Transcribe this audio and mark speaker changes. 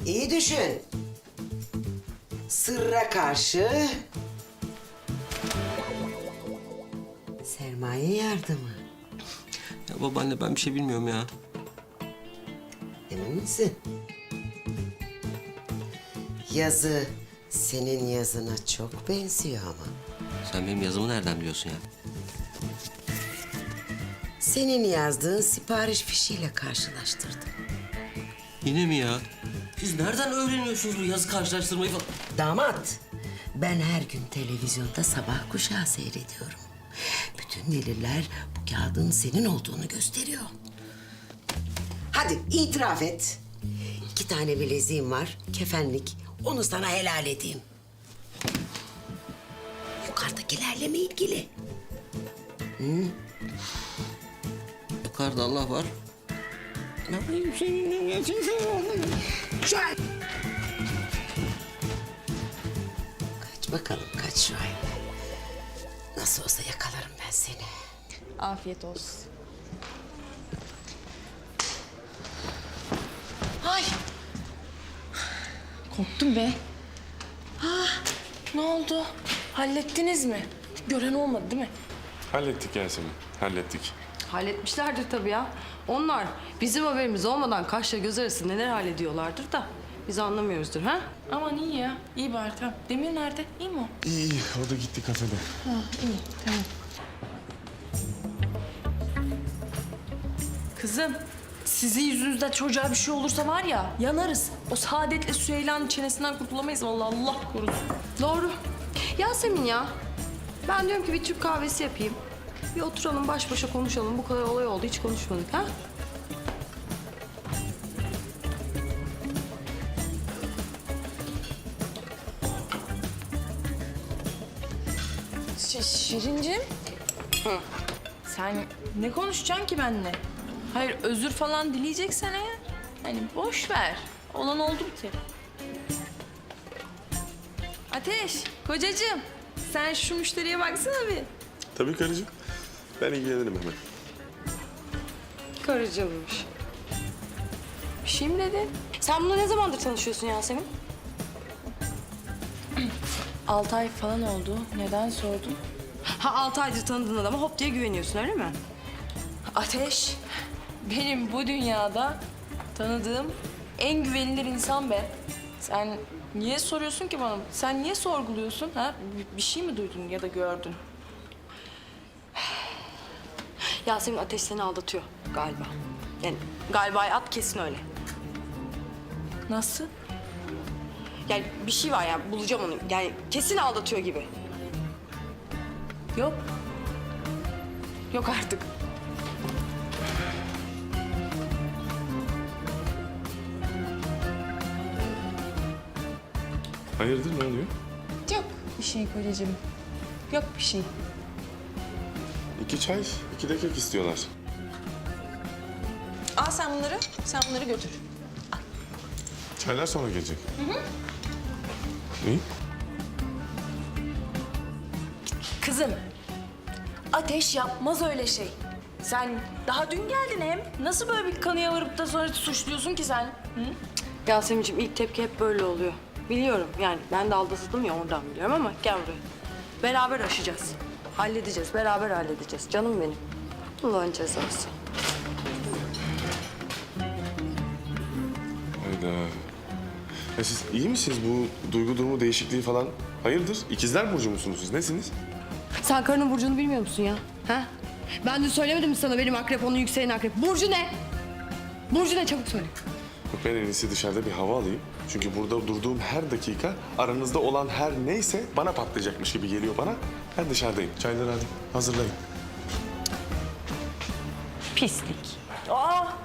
Speaker 1: İyi düşün. Sırra karşı sermaye yardımı.
Speaker 2: Ya babaanne ben bir şey bilmiyorum ya.
Speaker 1: Emin misin? Yazı senin yazına çok benziyor ama.
Speaker 2: Sen benim yazımı nereden biliyorsun ya?
Speaker 1: Senin yazdığın sipariş fişiyle karşılaştırdım.
Speaker 2: Yine mi ya? Siz nereden öğreniyorsunuz bu yazı karşılaştırmayı falan?
Speaker 1: Damat, ben her gün televizyonda sabah kuşağı seyrediyorum. Bütün deliller bu kağıdın senin olduğunu gösteriyor. Hadi itiraf et. 2 tane bileziğim var, kefenlik. Onu sana helal edeyim. Yukarıdakilerle mi ilgili?
Speaker 2: Yukarıda Allah var.
Speaker 1: Şuay! Kaç bakalım, kaç Şuay. Nasıl olsa yakalarım ben seni.
Speaker 3: Afiyet olsun. Ay! Korktum be. Ne oldu? Hallettiniz mi? Gören olmadı değil mi?
Speaker 4: Hallettik Yasemin, hallettik.
Speaker 5: Halletmişlerdir tabii ya. Onlar bizim haberimiz olmadan kaşla göz arası neler hallediyorlardır da biz anlamıyoruzdur ha?
Speaker 3: Aman iyi ya. İyi bari tamam. Demir nerede? İyi mi o?
Speaker 4: İyi, o da gitti kafede.
Speaker 3: İyi tamam. Kızım, sizin yüzünüzden çocuğa bir şey olursa var ya yanarız. O Saadet'le Süheyla'nın çenesinden kurtulamayız vallahi Allah korusun.
Speaker 5: Doğru. Yasemin ya. Ben diyorum ki bir Türk kahvesi yapayım. Bir oturalım baş başa konuşalım. Bu kadar olay oldu hiç konuşmadık ha?
Speaker 3: Şirincim. Sen ne konuşacaksın ki benimle? Hayır özür falan dileyeceksen eğer. Hani boş ver. Olan oldu bir kere. Ateş, kocacığım. Sen şu müşteriye baksana bir.
Speaker 4: Tabii karıcığım, ben ilgilenirim hemen.
Speaker 5: Karıcılmış. Bir şey mi dedin? Sen bununla ne zamandır tanışıyorsun Yasemin?
Speaker 3: 6 ay falan oldu. Neden sordun?
Speaker 5: Ha 6 aydır tanıdığın adama hop diye güveniyorsun öyle mi?
Speaker 3: Ateş, benim bu dünyada tanıdığım en güvenilir insan be. Sen niye soruyorsun ki bana? Sen niye sorguluyorsun? Ha? Bir şey mi duydun ya da gördün?
Speaker 5: Yasemin Ateş seni aldatıyor galiba. Yani galiba at kesin öyle.
Speaker 3: Nasıl?
Speaker 5: Yani bir şey var ya bulacağım onu. Yani kesin aldatıyor gibi.
Speaker 3: Yok.
Speaker 5: Yok artık.
Speaker 4: Hayırdır, ne oluyor?
Speaker 3: Yok bir şey kocacığım. Yok bir şey.
Speaker 4: 2 çay, 2 de kek istiyorlar.
Speaker 3: Al sen bunları götür.
Speaker 4: Çaylar sonra gelecek. İyi.
Speaker 3: Kızım, Ateş yapmaz öyle şey. Sen daha dün geldin hem. Nasıl böyle bir kanıya varıp da sonra suçluyorsun ki sen? Hı?
Speaker 5: Yasemin'ciğim ilk tepki hep böyle oluyor. Biliyorum yani ben de aldatıldım ya oradan biliyorum ama gel buraya. Beraber aşacağız. Halledeceğiz, beraber halledeceğiz. Canım benim. Allah'ın cezası.
Speaker 4: Hayda. Ya siz iyi misiniz? Bu duygu durumu değişikliği falan hayırdır? İkizler burcu musunuz siz? Nesiniz?
Speaker 5: Sen karının burcunu bilmiyor musun ya? Ha? Ben de söylemedim mi sana benim akrep onun yükselen akrep. Burcu ne? Burcu ne çabuk söyle.
Speaker 4: Yok, ben en iyisi dışarıda bir hava alayım. Çünkü burada durduğum her dakika aranızda olan her neyse bana patlayacakmış gibi geliyor bana. Ben dışarıdayım. Çayları hadi hazırlayın.
Speaker 3: Pislik. Aa,